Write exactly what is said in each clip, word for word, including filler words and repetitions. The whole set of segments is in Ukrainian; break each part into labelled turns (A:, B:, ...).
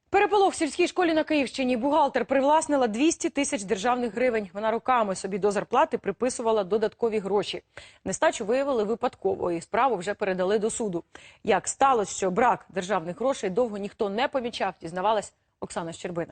A: Переполох в сільській школі на Київщині. Бухгалтер привласнила двісті тисяч державних гривень. Вона роками собі до зарплати приписувала додаткові гроші. Нестачу виявили випадково і справу вже передали до суду. Як сталося, що брак державних грошей довго ніхто не помічав, дізнавалась Оксана Щербина.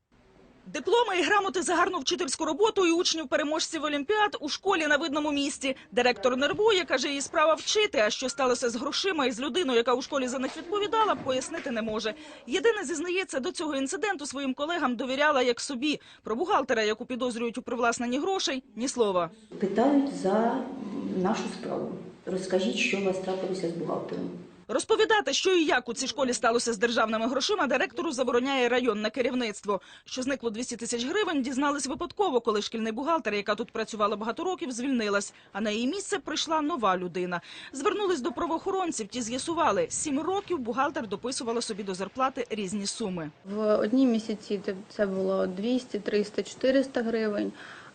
B: Дипломи і грамоти за гарну вчительську роботу і учнів-переможців олімпіад у школі на видному місці. Директор нервує, каже, її справа вчити, а що сталося з грошима і з людиною, яка у школі за них відповідала, пояснити не може. Єдине, зізнається, до цього інциденту своїм колегам довіряла як собі. Про бухгалтера, яку підозрюють у привласненні грошей, ні слова.
C: Питають за нашу справу. Розкажіть, що у вас трапилося з бухгалтером.
B: Розповідати, що і як у цій школі сталося з державними грошима, директору забороняє районне керівництво. Що зникло двісті тисяч гривень, дізнались випадково, коли шкільний бухгалтер, яка тут працювала багато років, звільнилась. А на її місце прийшла нова людина. Звернулись до правоохоронців, ті з'ясували. Сім років бухгалтер дописувала собі до зарплати різні суми.
D: В одні місяці це було двісті, триста, чотириста гривень.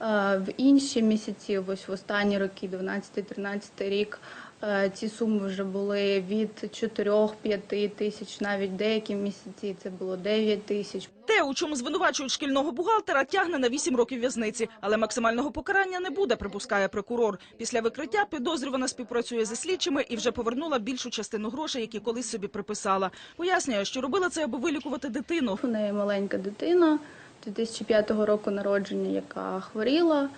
D: В інші місяці, ось в останні роки, дванадцятий-тринадцятий рік, ці суми вже були від чотирьох-п'яти тисяч, навіть деякі місяці це було дев'ять тисяч.
B: Те, у чому звинувачують шкільного бухгалтера, тягне на вісім років в'язниці. Але максимального покарання не буде, припускає прокурор. Після викриття підозрювана співпрацює зі слідчими і вже повернула більшу частину грошей, які колись собі приписала. Пояснює, що робила це, аби вилікувати дитину.
D: У неї маленька дитина, дві тисячі п'ятого року народження, яка хворіла.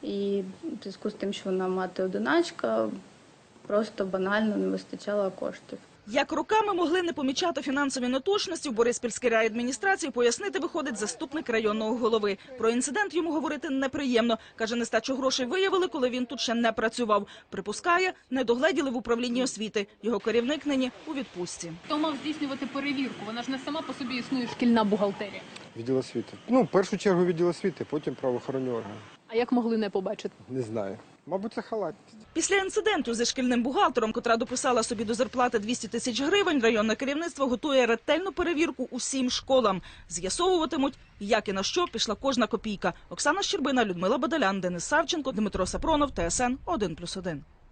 D: І в зв'язку з тим, що вона мати-одиначка, просто банально не вистачало коштів.
B: Як роками могли не помічати фінансові неточності в Бориспільській райадміністрації, пояснити виходить заступник районного голови. Про інцидент йому говорити неприємно. Каже, нестачу грошей виявили, коли він тут ще не працював. Припускає, не догледіли в управлінні освіти. Його керівник нині у відпустці.
E: Хто мав здійснювати перевірку? Вона ж не сама по собі існує шкільна бухгалтерія.
F: Відділ освіти. Ну, в першу чергу відділ освіти, потім правоохоронні органи.
E: А як могли не побачити?
F: Не знаю. Мабуть, це халатність.
B: Після інциденту зі шкільним бухгалтером, котра дописала собі до зарплати двісті тисяч гривень, районне керівництво готує ретельну перевірку усім школам. З'ясовуватимуть, як і на що пішла кожна копійка. Оксана Щербина, Людмила Бадалян, Денис Савченко, Дмитро Сапронов, Т С Н один плюс один.